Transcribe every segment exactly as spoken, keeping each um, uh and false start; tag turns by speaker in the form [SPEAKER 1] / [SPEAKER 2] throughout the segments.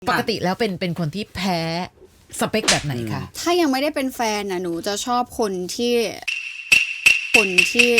[SPEAKER 1] ปกติแล้วเป็นเป็นคนที่แพ้สเปคแบบไหนคะ
[SPEAKER 2] ถ้ายังไม่ได้เป็นแฟนนะหนูจะชอบคนที่คนที่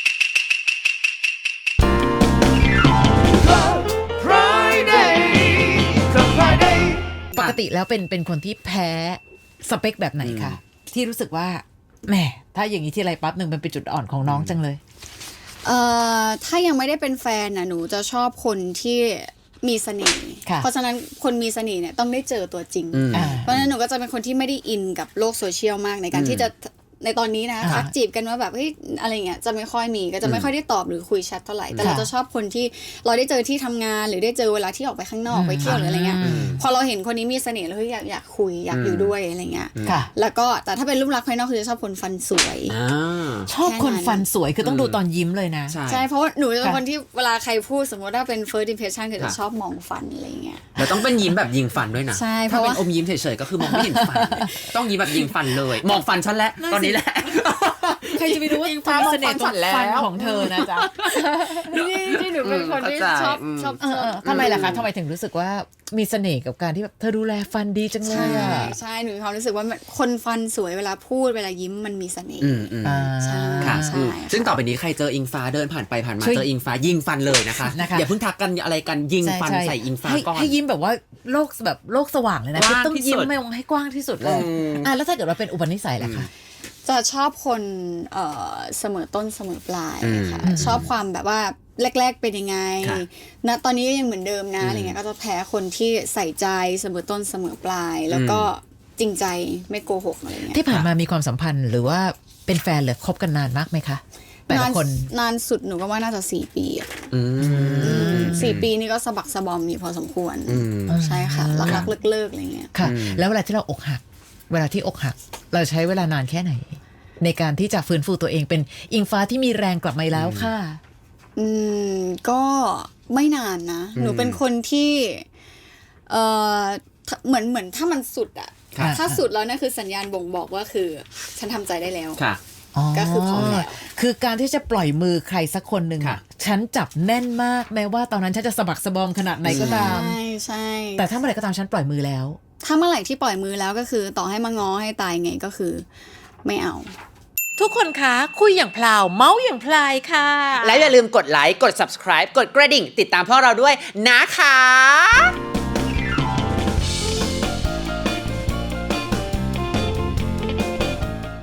[SPEAKER 1] ปกติแล้วเป็นเป็นคนที่แพ้สเปคแบบไหนคะที่รู้สึกว่าแหมถ้าอย่างนี้ที่ไรปั๊บหนึ่งมันเป็นจุดอ่อนของน้องจังเลย
[SPEAKER 2] เอ่อถ้ายังไม่ได้เป็นแฟนนะหนูจะชอบคนที่มีเสน่ห์เพราะฉะนั้นคนมีเสน่ห์เนี่ยต้องได้เจอตัวจริงเพราะฉะนั้นหนูก็จะเป็นคนที่ไม่ได้อินกับโลกโซเชียลมากในการที่จะในตอนนี้นะทักจีบกันว่าแบบเฮ้ยอะไรเงี้ยจะไม่ค่อยมีก็จะไม่ค่อยได้ตอบหรือคุยแชทเท่าไหร่แต่เราจะชอบคนที่เราได้เจอที่ทำงานหรือได้เจอเวลาที่ออกไปข้างนอกไปเที่ยวหรืออะไรเงี้ยพอเราเห็นคนนี้มีเสน่ห์แล้วเฮ้ยอยากอยากคุยอยากอยู่ด้วยอะไรเงี้ยแล้วก็แต่ถ้าเป็นรูปลักษณ์ภายนอกคือจะชอบคนฟันสวย
[SPEAKER 1] ชอบคนฟันสวยคือต้องดูตอนยิ้มเลยนะ
[SPEAKER 2] ใช่เพราะว่าหนูจะเป็นคนที่เวลาใครพูดสมมติว่าเป็น first impression คือจะชอบมองฟันอะไรเงี้ย
[SPEAKER 3] แล้วต้องเป็นยิ้มแบบยิงฟันด้วยนะ
[SPEAKER 2] ใช่เพ
[SPEAKER 3] ถ้า
[SPEAKER 2] ราะ
[SPEAKER 3] เป็นอมยิ้มเฉยๆก็คือมองไม่เห็นฟันต้องยิ้มแบบยิงฟันเลยมองฟันฉันแล้วตอนนี้แหละ
[SPEAKER 1] ใครจะไปรู้ว่าความเสน่ห์ตรงฟันของเธอนะจ๊ะ
[SPEAKER 2] นี่ที่หนูเป็นคนที่ชอบชอบ
[SPEAKER 1] ทำไมล่ะคะทำไมถึงรู้สึกว่ามีเสน่ห์กับการที่แบบเธอดูแลฟันดีจังเลยอ่ะ
[SPEAKER 2] ใช่หนูมีความรู้สึกว่าคนฟันสวยเวลาพูดเวลายิ้มมันมีเสน่ห์
[SPEAKER 3] ใช่ค่ะซึ่งต่อไปนี้ใครเจออิงฟ้าเดินผ่านไปผ่านมาเจออิงฟ้ายิงฟันเลยนะคะอย่าเพิ่งทักกันอะไรกันยิงฟันใส่อิงฟ้าก่อน
[SPEAKER 1] ให้ยิ้มแบบว่าโลกแบบโลกสว่างเลยนะต้องยิ้มไม่มองให้กว้างที่สุดเลยอ่ะแล้วถ้าเกิดว่าเป็นอุปนิสัยล่ะคะ
[SPEAKER 2] จะชอบคนเอ่อเสมอต้นเสมอปลายค่ะชอบความแบบว่าแรกๆเป็นยังไงณตอนนี้ก็ยังเหมือนเดิมนะอะไรเงี้ยก็จะแพ้คนที่ใส่ใจเสมอต้นเสมอปลายแล้วก็จริงใจไม่โกหกอะไรเงี้ย
[SPEAKER 1] ที่ผ่านมามีความสัมพันธ์หรือว่าเป็นแฟนหรือคบกันนานมากไหมคะแต่ละคน
[SPEAKER 2] นานสุดหนูก็ว่าน่าจะสี่ปีสี่ปีนี่ก็สะบักสะบอมอยู่พอสมควรใช่ค่ะรักๆเลิกๆอะไรเงี้ย
[SPEAKER 1] ค่ะแล้วเวลาที่เราอกหักเวลาที่อกหักเราใช้เวลานานแค่ไหนในการที่จะฟื้นฟูตัวเองเป็นอิงฟ้าที่มีแรงกลับมาแล้วค่ะ
[SPEAKER 2] อืมก็ไม่นานนะหนูเป็นคนที่เออเหมือนเหมือนถ้ามันสุดอะถ้าสุดแล้วนั่นคือสัญญาณบ่งบอกว่าคือฉันทำใจได้แล้วก็คือพร้อมแล้ว
[SPEAKER 1] คือการที่จะปล่อยมือใครสักคนหนึ่งฉันจับแน่นมากแม้ว่าตอนนั้นฉันจะสะบักสะบอมขนาดไหนก็ตาม
[SPEAKER 2] ใช่ใช่
[SPEAKER 1] แต่ถ้าเมื่อไหร่ก็ตามฉันปล่อยมือแล้ว
[SPEAKER 2] ถ้าเมื่อไหร่ที่ปล่อยมือแล้วก็คือต่อให้มาง้อให้ตายไงก็คือไม่เอา
[SPEAKER 1] ทุกคนคะคุยอย่างพลาวเมาส์อย่างพลายค่ะ
[SPEAKER 3] และอย่าลืมกดไลค์กด ซับสไครบ์ กดกระดิ่งติดตามพวกเราด้วยนะคะ